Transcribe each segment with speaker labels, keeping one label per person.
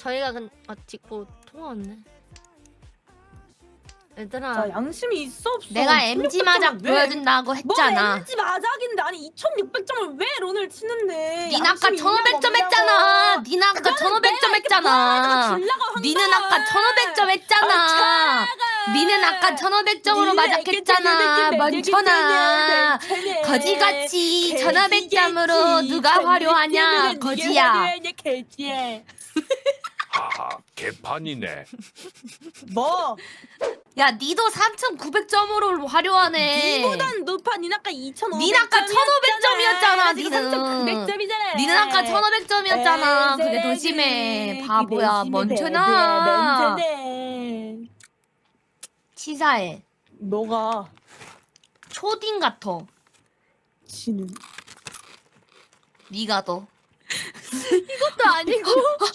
Speaker 1: 저희가 딛고 통화 왔네. 얘들아.
Speaker 2: 자, 양심이 있어 없어?
Speaker 3: 내가 MG 마작 보여준다고 했잖아.
Speaker 2: 뭐 MG 마작인데 아니 2,600점을 왜 런을 치는데?
Speaker 3: 닌 아까 1,500점 했잖아. 닌 아까 1,500점 했잖아. 니는 아까 1,500점 했잖아. 니는 아까 1,500점으로 마작했잖아. 멍청아. 거지같이 1,500점으로 누가 화려하냐. 거지야.
Speaker 4: 하하, 개판이네.
Speaker 2: 뭐?
Speaker 3: 야, 니도 3,900점으로 화려하네.
Speaker 2: 니보단 높아. 닌 아까 2,500점.
Speaker 3: 닌 아까 1,500점이었잖아. 니는.
Speaker 2: 3,900점이잖아.
Speaker 3: 니는 아까 1,500점이었잖아. 그게 더 심해. 바보야. 멍청아. 치사해.
Speaker 2: 너가
Speaker 3: 초딩 같아.
Speaker 2: 지는.
Speaker 3: 니가 더.
Speaker 1: 이것도 아니고.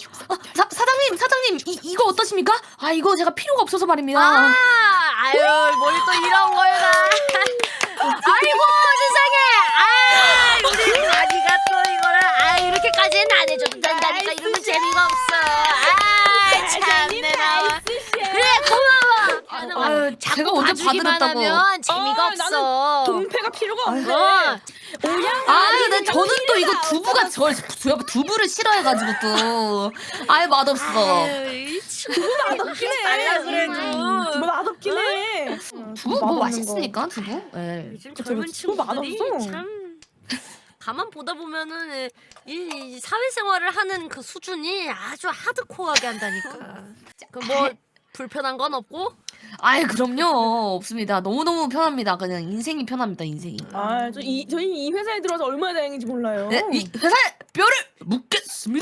Speaker 3: 사장님 이거 어떠십니까? 아 이거 제가 필요가 없어서 말입니다.
Speaker 1: 아유 뭘 또 이런 걸 가. 아이고 세상에. 우리 가니가 또 이거를 이렇게까지는 안 해줘도 된다니까. 이러면 재미가 없어. 참내 나와. 그래 고마워.
Speaker 3: 아유 제가 언제
Speaker 1: 봐주기만
Speaker 3: 봐드렸다고.
Speaker 1: 하면 재미가 없어.
Speaker 2: 동패가 필요가 없네.
Speaker 3: 근데 저는 또 이거 두부가 두부를 싫어해가지고 또 아예 맛없어.
Speaker 1: 맛없긴 해. 그래도.
Speaker 2: 뭐 맛없긴 해.
Speaker 3: 두부 뭐 맛있으니까 두부. 예.
Speaker 1: 요즘
Speaker 2: 그쵸,
Speaker 1: 젊은
Speaker 2: 그쵸.
Speaker 1: 친구들이
Speaker 2: 맛없어.
Speaker 1: 참 가만 보다 보면은 이 사회생활을 하는 그 수준이 아주 하드코어하게 한다니까. 그 뭐 불편한 건 없고?
Speaker 3: 아이 그럼요 없습니다. 너무 편합니다. 그냥 인생이 편합니다. 인생이.
Speaker 2: 저희 이 회사에 들어와서 얼마나 다행인지 몰라요.
Speaker 3: 네, 이 회사에 뼈를 묻겠습니다.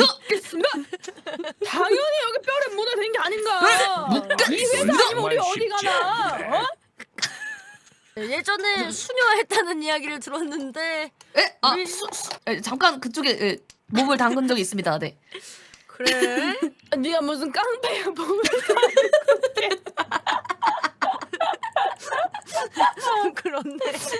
Speaker 2: 당연히 여기 뼈를 묻어야 되는 게 아닌가. 이 회사 아니면 우리 어디 가나? 어?
Speaker 1: 예전에 수녀했다는 이야기를 들었는데
Speaker 3: 잠깐 그쪽에 몸을 담근 적이 있습니다. 네.
Speaker 1: 그래?
Speaker 2: 네가 무슨 깡패야 몸을
Speaker 1: 그렇네.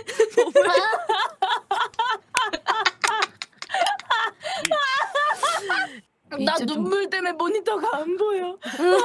Speaker 2: 나 눈물 때문에 모니터가 안 보여.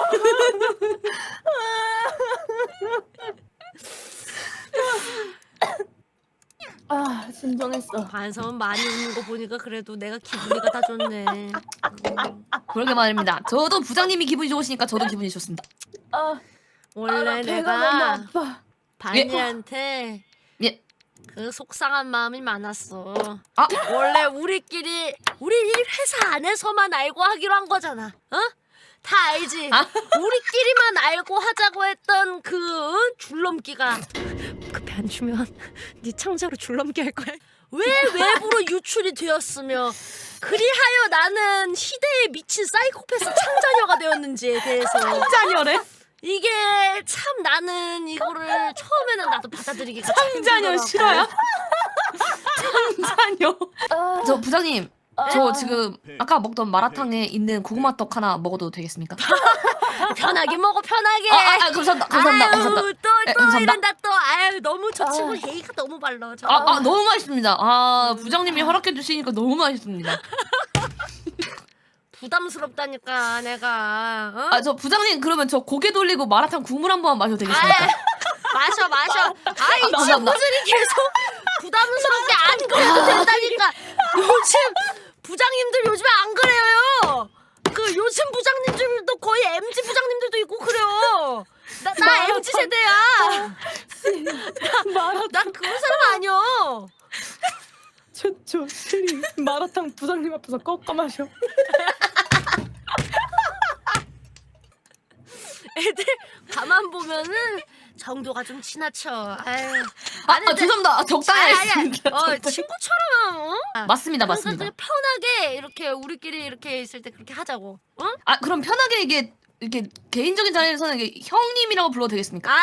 Speaker 2: 진정했어.
Speaker 1: 반성은 많이 웃는 거 보니까 그래도 내가 기분이가 다 좋네.
Speaker 3: 그러게 말입니다. 저도 부장님이 기분이 좋으시니까 저도 기분이 좋습니다.
Speaker 1: 원래
Speaker 2: 배가 너무
Speaker 1: 내가
Speaker 2: 아파.
Speaker 1: 반이한테
Speaker 3: 예.
Speaker 1: 그 속상한 마음이 많았어.
Speaker 3: 아.
Speaker 1: 원래 우리 이 회사 안에서만 알고 하기로 한 거잖아. 어? 다 알지? 우리끼리만 알고 하자고 했던 그 줄넘기가 급히 안 주면 네 창자로 줄넘기 할 거야. 왜 외부로 유출이 되었으며 그리하여 나는 희대에 미친 사이코패스 창자녀가 되었는지에 대해서
Speaker 3: 창자녀래?
Speaker 1: 이게 참 나는 이거를 처음에는 나도 받아들이기가
Speaker 3: 창자녀 싫어요? 창자녀. 저 부장님, 저 지금 아까 먹던 마라탕에 있는 고구마떡 하나 먹어도 되겠습니까?
Speaker 1: 편하게 먹어 편하게.
Speaker 3: 감사합니다.
Speaker 1: 아유, 또
Speaker 3: 감사합니다.
Speaker 1: 이런다 또. 아유 너무 저 친구 예의가 너무 발라.
Speaker 3: 너무 맛있습니다. 부장님이 허락해 주시니까 너무 맛있습니다.
Speaker 1: 부담스럽다니까 내가. 어?
Speaker 3: 저 부장님 그러면 저 고개 돌리고 마라탕 국물 한 번 마셔도 되겠습니까?
Speaker 1: 마셔. 이
Speaker 3: 감사합니다.
Speaker 1: 친구들이 계속 부담스럽게 안 그래도 된다니까. 요즘 부장님들 요즘에 안 그래요. 그 요즘 부장님들도 거의 MZ 부장님들도 있고 그래요. 나 MZ 세대야. 나 그런 사람 아니야.
Speaker 2: 저 스리 마라탕 부장님 앞에서 꺾어 마셔.
Speaker 1: 애들 가만 보면은 정도가 좀 지나쳐. 아유.
Speaker 3: 죄송합니다. 적당히 했습니다.
Speaker 1: 친구처럼.
Speaker 3: 맞습니다.
Speaker 1: 그러니까 편하게 이렇게 우리끼리 이렇게 있을 때 그렇게 하자고. 어?
Speaker 3: 그럼 편하게 이게 이렇게 개인적인 자리에서는 이게 형님이라고 불러도 되겠습니까?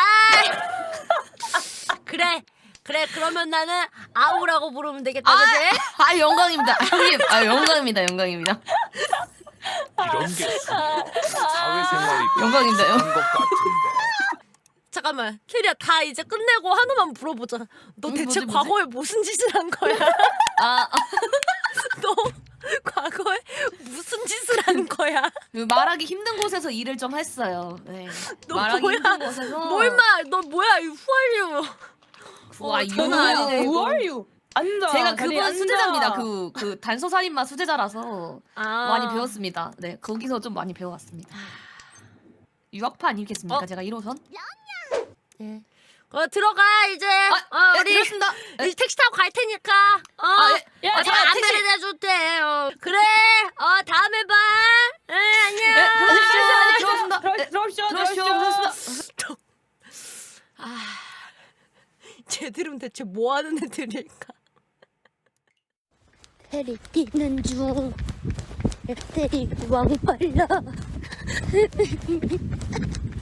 Speaker 1: 그래 그러면 나는 아우라고 부르면 되겠다. 그지?
Speaker 3: 영광입니다. 형님. 영광입니다.
Speaker 4: 이런 게 사회생활이
Speaker 3: 영광입니다.
Speaker 4: 그런 것 같은데.
Speaker 1: 잠깐만 캐리야 다 이제 끝내고 하나만 물어보자. 너 대체
Speaker 3: 뭐지?
Speaker 1: 과거에 무슨 짓을 한 거야? 너 과거에 무슨 짓을 한 거야? 뭐야?
Speaker 3: 그 말하기 힘든 곳에서 일을 좀 했어요. 네.
Speaker 1: 너
Speaker 3: 말하기
Speaker 1: 뭐야?
Speaker 3: 힘든 곳에서.
Speaker 1: 뭐 임마 너 뭐야 이 후알류.
Speaker 3: 와
Speaker 1: 장난
Speaker 3: 이거는
Speaker 1: 아니네,
Speaker 2: Who are you? 앉아.
Speaker 3: 제가
Speaker 2: 다리
Speaker 3: 그분
Speaker 2: 앉아.
Speaker 3: 수제자입니다. 그 단서살인마 수제자라서
Speaker 1: 아.
Speaker 3: 많이 배웠습니다. 네 거기서 좀 많이 배워왔습니다. 유학파 아니겠습니까? 제가 1호선?
Speaker 1: 네. 들어가 이제.
Speaker 3: 네,
Speaker 1: 우리
Speaker 3: 들었습니다. 네.
Speaker 1: 이제 택시 타고 갈 테니까.
Speaker 3: 네.
Speaker 2: 야,
Speaker 1: 제가
Speaker 3: 택시.
Speaker 1: 안내를 해줄 때. 그래. 다음에 봐. 안녕.
Speaker 3: 네, 들어왔습니다. 네,
Speaker 2: 들어오시죠.
Speaker 3: 들어오시죠.
Speaker 1: 쟤들은 대체 뭐 하는 애들일까?
Speaker 5: 해리 뛰는 중 해리 왕빨라